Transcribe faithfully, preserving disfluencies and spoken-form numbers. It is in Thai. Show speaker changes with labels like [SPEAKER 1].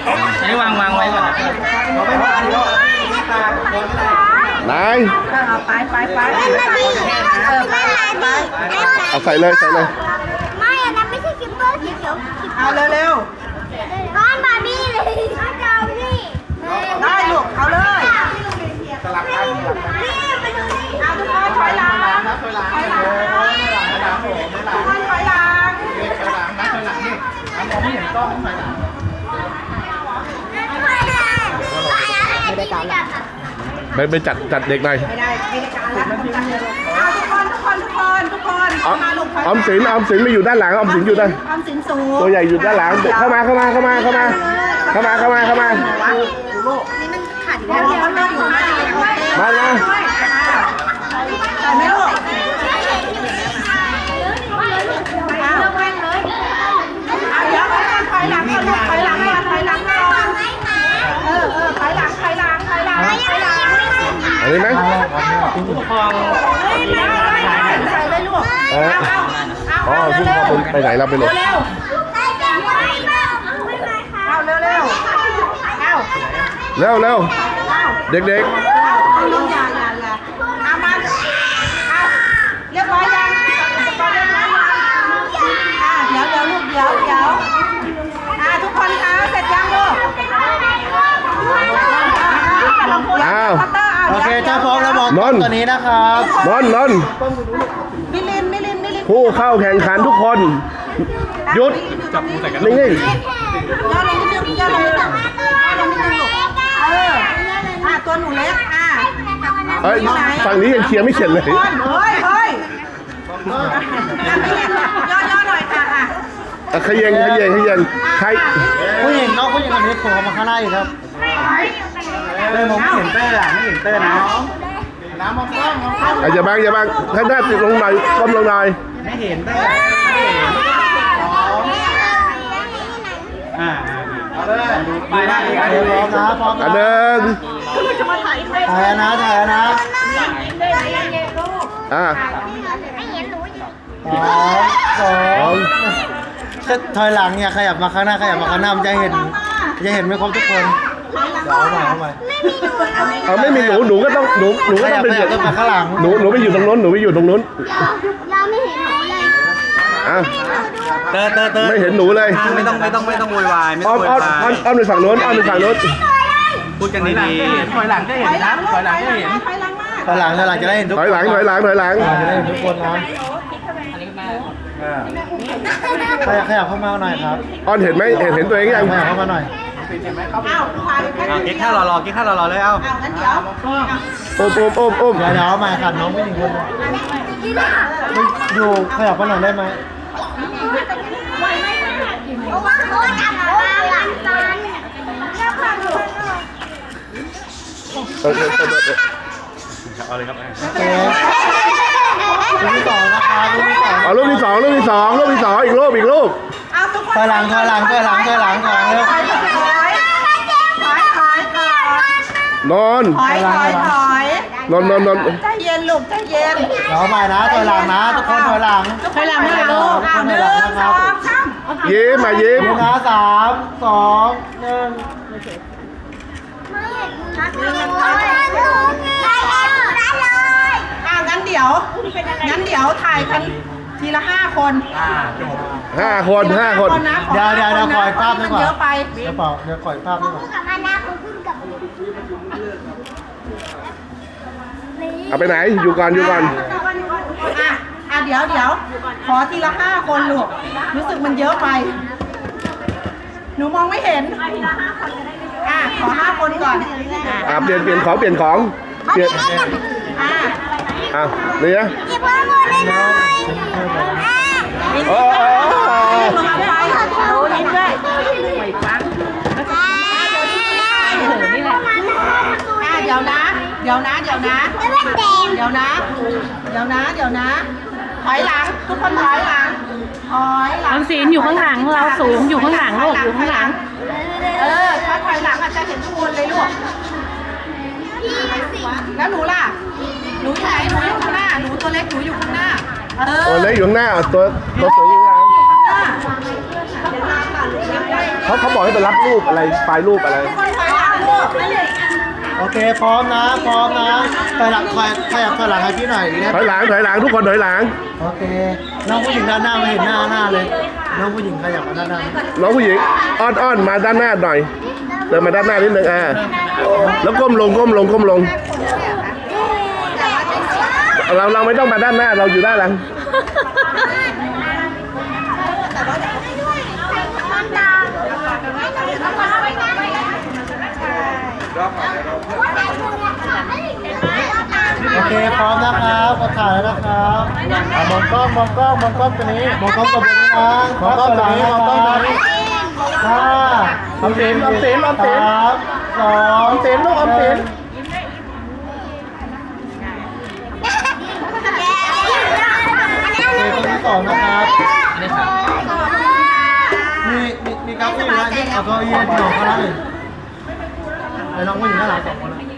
[SPEAKER 1] นี่วางวางไว้ก่อนเราไม่มาดิ
[SPEAKER 2] นาย
[SPEAKER 3] ไปไปไป
[SPEAKER 2] เอาใส่เลยใส่เลย
[SPEAKER 4] ไม่อันนั้นไม่ใช่คิปเปอร์สีเขียว
[SPEAKER 3] เอาเร็วเร็ว
[SPEAKER 4] ก้อนบาร์บี้เลยก้อนเจ้าพี่
[SPEAKER 3] ได้ลูกเอาเลย
[SPEAKER 4] สลับกันนี่ไปดูนี่
[SPEAKER 3] เอาทุกคนถอยหลังถอยหลังถอยหลังทุกคนถอยหลัง
[SPEAKER 1] ถอยหลังนะถอยหลังนี่มองไม่เห็นกล้องถอยหลัง
[SPEAKER 4] ไม่ได้การละ
[SPEAKER 2] ไปไปจัดจัดเด็กหน่อย
[SPEAKER 3] ไม่ได้ไม่ได้การละเอาทุกคนทุกคนทุกคนทุกคนมาลูก
[SPEAKER 2] ออมสินออมสินไม่อยู่ด้านหลังออมสินอยู่ด้าน
[SPEAKER 3] ออมสินสูง
[SPEAKER 2] ตัวใหญ่อยู่ด้านหลังเข้ามาเข้ามาเข้ามาเข้ามาเข้ามาเข้ามาเข้ามา
[SPEAKER 4] นี่มันขัด
[SPEAKER 3] เดี๋ยวมันก็อยู่มา
[SPEAKER 2] มามา
[SPEAKER 3] ใส่ไหมลูกเอาเดี๋ยวถอยหลังก่อนถอยหลังก่อนถอยหลังก่อนเออเออถอยหลังถอยหลังถอยหลังถอยหลัง
[SPEAKER 2] อันนี้ไหม
[SPEAKER 1] ผู้ปกครอง
[SPEAKER 3] ใส่เลยลูกเอาเอา
[SPEAKER 2] อ๋อผู้ปกครองไปไหนเราไปเลย
[SPEAKER 3] เร็วเอาเร็วเร็วเอา
[SPEAKER 2] เร็วเร็วเด็กๆ
[SPEAKER 3] เอาลงยาอย่าอย่าเอามาเอาเรียบร้อยยังอ่าเดี๋ยวเดี๋ยวลูกเดี๋ยวเดี๋ยวอ่าทุกคนคะเสร็จยังลูก
[SPEAKER 2] อ้าว
[SPEAKER 1] โอเคถ้าพร้อมแล้วบอกนนตัวนี้นะครับ
[SPEAKER 2] นนนน
[SPEAKER 3] มิลินมิลินมิลิน
[SPEAKER 2] ผู้เข้าแข่งขันทุกคนหยุดนิ่งๆ
[SPEAKER 3] ย่อลงนิดนึงย่อลงนิดนึงย่อลงนิดนึงลูกเอออ่าตัวหนูเล็กอ่า
[SPEAKER 2] เอ้ยฝั่งนี้ยังเคลียร์ไม่เสร็จเลย
[SPEAKER 3] เฮ้ยเฮ้ยย่อย่อหน่อยค่ะอ่ะ
[SPEAKER 2] ขยันขยันขยันใคร
[SPEAKER 1] ผู้หญิงน้องผู้หญิงคนนี้โผล่มาข้างหน้าอีกครับเต้ยมองไม่เห็นเต้ยอ่ะไม่เห็นเต้ยนะน้ำมองกล้องมองกล้อง
[SPEAKER 2] อย่าบังอย่าบังท่านหน้าติดลงหน่อยก้มลงหน่อย
[SPEAKER 1] ไม่เห็นเต้ยอ่าเอาเลยดูไปได้พร้อมนะพร้อมนะ
[SPEAKER 2] อันหนึ่ง
[SPEAKER 1] ถ่ายนะถ่ายนะ
[SPEAKER 2] อ่า
[SPEAKER 1] สองสองก็ถอยหลังเนี่ยขยับมาข้างหน้าขยับมาข้างหน้ามันจะเห็นจะเห็นไม่ครบทุกคนเดี๋ยวเอาใหม่เอาใหม่
[SPEAKER 2] เอาไม่มีหนูหนูก็ต้องหนูหนูก็ต้องไปอยู่
[SPEAKER 1] ข้างหลัง
[SPEAKER 2] หนูหนูไปอยู่ตรงนู้นหนูไปอยู่ตรงนู้น
[SPEAKER 4] เราไม่เห็นหนูเลย
[SPEAKER 2] อ่ะ
[SPEAKER 1] เตอเตอเตอ
[SPEAKER 2] ไม่เห็นหนูเลย
[SPEAKER 1] ไม่ต้องไม่ต้องไม่ต้องโวยวายไม่
[SPEAKER 2] ต้
[SPEAKER 1] องโวยวาย
[SPEAKER 2] อ้อมอ้อมไปฝั่งโน้นอ้อมไปฝั่งโน้น
[SPEAKER 1] พูดกันดีๆถอยหลังก็เห็นนะถอยหลังก็เห็นถอยหลังถอยหลังจะได้เห็นทุกคน
[SPEAKER 2] ถอยหลังถอยหลังถอยหลัง
[SPEAKER 1] จะได้เห็นทุกคนนะขยับขยับเข้ามาหน่อยครับ
[SPEAKER 2] อ้อนเห็นไหมเห็นเห็นตัวเองยัง
[SPEAKER 1] ขยับเข้ามาหน่อยกิ๊กข้าวรอๆกิ๊กข้าวรอๆเลยเอ้า
[SPEAKER 2] โอ้มโอ้มโอ้มโอ้ม
[SPEAKER 1] เดี๋ยวเดี๋ยวมาขัดน้องไม่ถึงคนอยู่ขยับมาหน่อยได้ไหม
[SPEAKER 4] เพราะว่าเขาจับเราหลังตอน
[SPEAKER 2] เออเออเออ
[SPEAKER 1] เอาเลยครับรูปที่สองนะครับรูปที่สอง
[SPEAKER 2] เอารูปที่สองรูปที่สองรูปที่สองอีกรูปอีกรูป
[SPEAKER 1] ถอยหลังถอยหลังถอยหลังถอยหลังถอยหลังเร็ว
[SPEAKER 2] นอน
[SPEAKER 3] ถอยถอยถอย
[SPEAKER 2] นอนนอนนอน
[SPEAKER 3] ใจเย็นลูกใจเย็น
[SPEAKER 1] เดี๋ยวใหม่นะถอยหลังนะทุกคนถอยหลัง
[SPEAKER 3] ถอยหลังเลยลูกอ้าวหนึ่งสองสาม
[SPEAKER 2] ยิ้มมายิ้ม
[SPEAKER 1] นะสามสองหนึ่ง
[SPEAKER 3] อ่างั้นเดี๋ยวงั้นเดี๋ยวถ่ายกันทีละห้าคน
[SPEAKER 2] ห้าคนห้าคน
[SPEAKER 1] เดี๋ยวเดี๋ยวเดี๋ยวขอภาพดีกว่า
[SPEAKER 3] เยอะไป
[SPEAKER 1] เดี๋ยวเปล่าเดี๋ยวขอภาพดีกว่า
[SPEAKER 2] เอาไปไหนอยู่ก่อนอยู่ก่อน
[SPEAKER 3] อ่ะอ่ะเดี๋ยวเดี๋ยวขอทีละห้าคนลูกรู้สึกมันเยอะไปหนูมองไม่เห็นอ่ะขอห้าคนก่อน
[SPEAKER 2] อ่ะเปลี่ยนเปลี่ยนของเปลี่ยนของเปลี่ยน
[SPEAKER 3] อ่ะ
[SPEAKER 2] อ่ะนี่นะ
[SPEAKER 4] หยิบมาหมดเลยนะ
[SPEAKER 2] โอ้โห
[SPEAKER 3] มาไฟโอ้ยด้วยไม่ฟังนี่แหละอ่ะเดี๋ยวนะเดี๋ยวนะเดี๋ยวนะเดี๋ยวนะเดี๋ยวนะเดี๋ยวนะถอยหลังทุกคนถอยหลังถอยหลัง
[SPEAKER 5] ออมสินอยู่ข้างหลังเราสูงอยู่ข้างหลังลูกอยู่ข้างหลัง
[SPEAKER 3] เออถ้าถอยหลังอาจจะเห็นทุกคนเลยลูกแล้วหนูล่ะหนูอยู่ไหนหนูอยู่ข้างหน้าหนูตัวเล็กหนูอยู่ข้างหน้าเออ
[SPEAKER 2] ตัวเล็กอยู่ข้างหน้าตัวตัวสวยอยู่ข้างหลังเขาเขาบอกให้ไปรับรูปอะไรไฟล์รูปอะไร
[SPEAKER 3] คนถอยหลังลูก
[SPEAKER 1] โอเคพร้อมนะพร้อมนะถอยหลังถอยขยับถอยหลังให้พี่หน่อยดีนะ
[SPEAKER 2] ถอยหลังถอยหลังทุกคนถอยหลัง
[SPEAKER 1] โอเคน้องผู้หญิงด้านหน้าไม่เห็นหน้าหน้าเลยน้องผู้หญิงขยับมาด้านหน้า
[SPEAKER 2] น้องผู้หญิงอ้อนอ้อนมาด้านหน้าหน่อยเดินมาด้านหน้านิดนึงอ่าแล้วก้มลงก้มลงก้มลงเราเราไม่ต้องมาด้านหน้าเราอยู่ด้านหลัง
[SPEAKER 1] โอเคพร้อมนะครับก็ถ่ายแล้วนะครับอ่ะมองกล้องมองกล้องมองกล้องตัวนี้มองกล้องตัวนี้นะมองกล้องตัวนี้มองกล้องตัวนี้ห้า
[SPEAKER 2] ออมสินออมสินออมสิน
[SPEAKER 1] สามสอง
[SPEAKER 2] ออมสินลูกออมสิน
[SPEAKER 1] โอเคคนที่สองนะครับมีมีมีกราฟที่อยู่นะที่เอาเก้าอี้ที่หนองเขาแล้วเลยไอ้น้องผู้หญิงข้างหลังสองคนนะ